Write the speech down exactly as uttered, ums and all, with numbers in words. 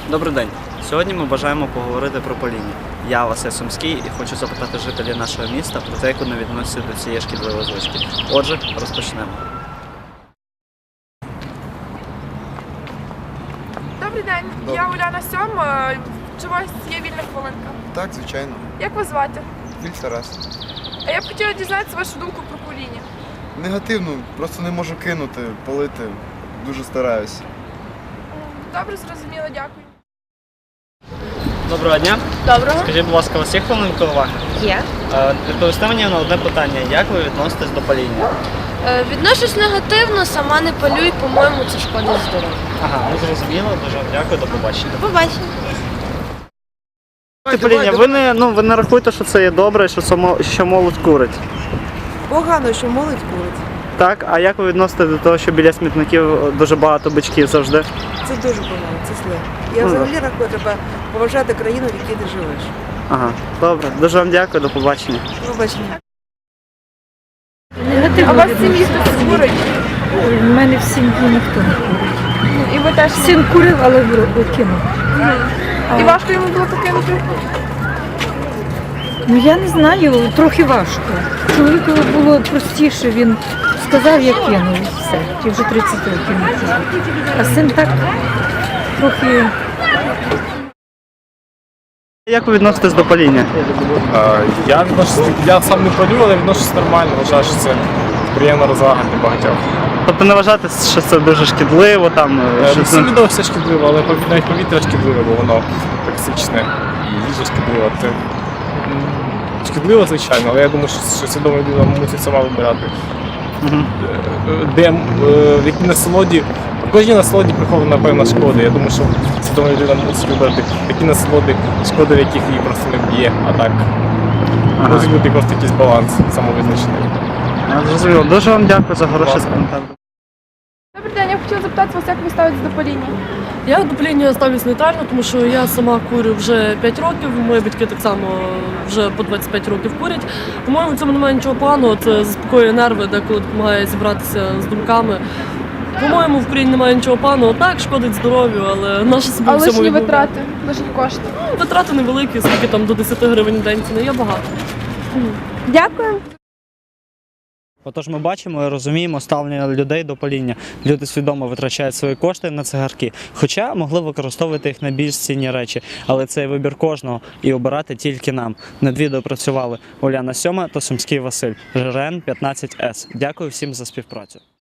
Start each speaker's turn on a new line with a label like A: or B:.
A: Добрий день. Сьогодні ми бажаємо поговорити про паління. Я Василь Сумський і хочу запитати жителів нашого міста про те, як вони відносяться до цієї шкідливої звички. Отже, розпочнемо.
B: Добрий день,
C: Добрий.
B: я Уляна Сьом. Е, Чи у вас є вільна хвилинка?
C: Так, звичайно.
B: Як вас звати?
C: Більш Тарас.
B: А я б хотіла дізнатися вашу думку про паління.
C: Негативно, просто не можу кинути, палити. Дуже стараюсь.
B: Добре, зрозуміло, дякую.
A: Доброго дня.
B: Доброго.
A: Скажіть, будь ласка, у вас є хвилинка уваги?
D: Є.
A: Е, Відповісти мені на одне питання. Як ви відноситесь до паління?
D: Е, Відношусь негативно, сама не палю і, по-моєму, це шкодить здоров'ю.
A: Ага, ну зрозуміло. Дуже вам дякую. До побачення.
D: До побачення.
A: Паління, ви не, ну, ви не рахуєте, що це є добре, що, само, що молодь курить?
E: Погано, що молодь курить.
A: Так, а як ви відноситесь до того, що біля смітників дуже багато бичків завжди?
E: Це дуже погано, це зле. Я
A: Ну,
E: взагалі рахую, треба поважати країну, в якій ти живеш.
A: Ага, добре. Дуже вам дякую, до побачення.
E: Ну, бачення.
B: А у вас в сім'ї хтось курить?
F: У мене в сім'ї ніхто не курить.
B: І ви теж не?
F: Син курив, але в- кинув.
B: І важко йому було покинути?
F: Ну я не знаю, трохи важко. Чоловіку було простіше, він сказав, я кинув і все. Ті вже тридцять років не курить. А син так трохи.
A: Як ви відноситесь до паління?
G: Е, Я відношусь, я сам не палю, але відношусь нормально, вважаю, що це приємна розвага для багатьох.
A: Тобто не вважати, що це дуже шкідливо, там,
G: Е,
A: що
G: Не
A: це...
G: всім відомо все шкідливо, але пові- навіть повітря шкідливе, бо воно токсичне і їжа шкідлива. Це м, шкідливо, звичайно, але я думаю, що, що свідома людина мусить сама вибирати.
A: Мгм.
G: Е, Де, м, е, в якій насолоді, в кожній насолоді прихована певна шкода. Я думаю, що свідома людина мусить вибрати такі насолоди, шкода в яких її просто не б'є, а так.
A: Ага.
G: Мусить бути просто якийсь баланс самовизначений.
A: Я зрозуміло. Дуже вам дякую за хороший
G: Будь ласка.
A: коментар.
B: Добрий день, я б хотіла запитати вас, як ви ставитесь до паління?
H: Я до паління ставлюсь нейтрально, тому що я сама курю вже п'ять років, мої батьки так само вже по двадцять п'ять років курять. По-моєму, в цьому немає нічого поганого, це заспокоює нерви, деколи допомагає зібратися з думками. По-моєму, в курінні немає нічого поганого. Так, шкодить здоров'ю, але наше собі
B: А
H: в цьому
B: лишні
H: відмовляти.
B: витрати, лишні кошти.
H: Ну, витрати невеликі, скільки там до десяти гривень в день, це не є багато.
B: Дякую.
A: Отож ми бачимо і розуміємо ставлення людей до паління. Люди свідомо витрачають свої кошти на цигарки, хоча могли використовувати їх на більш цінні речі. Але це вибір кожного і обирати тільки нам. Над відео працювали Уляна Сьома та Сумський Василь, Ж Р Н п'ятнадцять С. Дякую всім за співпрацю.